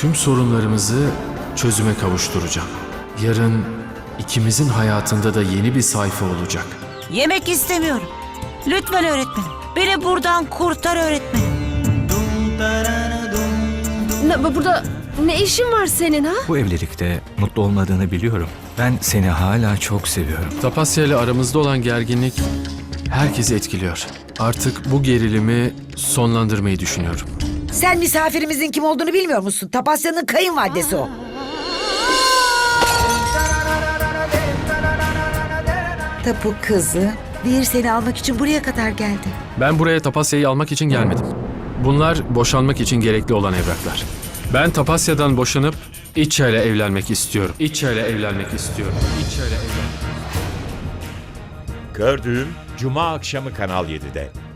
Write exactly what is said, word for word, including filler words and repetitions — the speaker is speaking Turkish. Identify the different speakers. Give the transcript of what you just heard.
Speaker 1: Tüm sorunlarımızı çözüme kavuşturacağım. Yarın ikimizin hayatında da yeni bir sayfa olacak.
Speaker 2: Yemek istemiyorum. Lütfen öğretmenim. Beni buradan kurtar öğretmenim.
Speaker 3: Ne, burada ne işin var senin ha?
Speaker 4: Bu evlilikte mutlu olmadığını biliyorum. Ben seni hala çok seviyorum.
Speaker 1: Tapasya ile aramızda olan gerginlik herkesi etkiliyor. Artık bu gerilimi sonlandırmayı düşünüyorum.
Speaker 5: Sen misafirimizin kim olduğunu bilmiyor musun? Tapasya'nın kayınvalidesi o. Tapu kızı, Vir seni almak için buraya kadar geldi.
Speaker 1: Ben buraya Tapasya'yı almak için gelmedim. Bunlar boşanmak için gerekli olan evraklar. Ben Tapasya'dan boşanıp İtça ile evlenmek istiyorum. İtça ile evlenmek istiyorum. İtça ile evlenmek.
Speaker 6: Gördüğüm Cuma akşamı Kanal yedide.